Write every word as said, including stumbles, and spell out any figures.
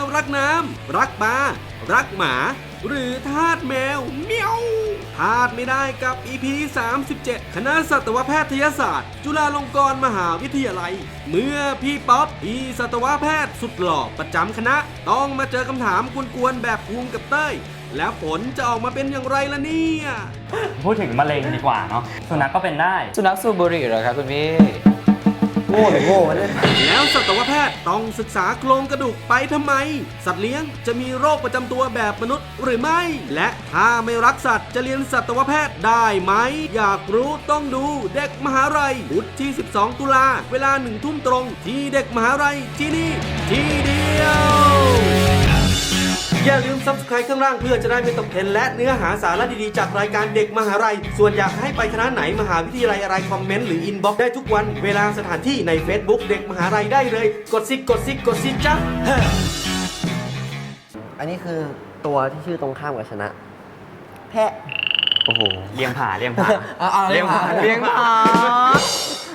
รักน้ำรักปลารักหมาหรือทาสแมวเมียวพลาดไม่ได้กับ อี พี สามสิบเจ็ด คณะสัตวแพทยศาสตร์จุฬาลงกรณ์มหาวิทยาลัยเมื่อพี่ป๊อปพี่สัตวแพทย์สุดหล่อประจำคณะต้องมาเจอคำถามกวนๆแบบภูมิกับเต้ยแล้วผลจะออกมาเป็นอย่างไรล่ะเนี่ยพูดถึงมะเร็งดีกว่าเนาะสุนัขก็เป็นได้สุนัขสูบบุหรี่เหรอครับคุณพี่โง่หรือโง่วะเนี่ยแล้วสัตวแพทย์ต้องศึกษาโครงกระดูกไปทำไม สัตว์เลี้ยงจะมีโรคประจำตัวแบบมนุษย์หรือไม่ และถ้าไม่รักสัตว์จะเรียนสัตวแพทย์ได้ไหม อยากรู้ต้องดูเด็กมหาลัยพุธที่ สิบสอง ตุลาเวลาหนึ่งทุ่มตรงที่เด็กมหาลัยที่นี่ที่เดียวอย่าลืม ซับสไครบ์ ข้างล่างเพื่อจะได้ไม่ตกเทรนด์และเนื้อหาสาระดีๆจากรายการเด็กมหาลัยส่วนอยากให้ไปคณะไหนมหาวิทยาลัยอะไรคอมเมนต์หรืออินบ็อกซ์ได้ทุกวันเวลาสถานที่ใน Facebook เด็กมหาลัยได้เลยกดซิกกดซิกกดซิกจ้าอันนี้คือตัวที่ชื่อตรงข้ามกับชนะ แพะโอ้โหเลี้ยงผาเลี้ยงผาเอาเอาเลี้ยงผาเลี้ยงผา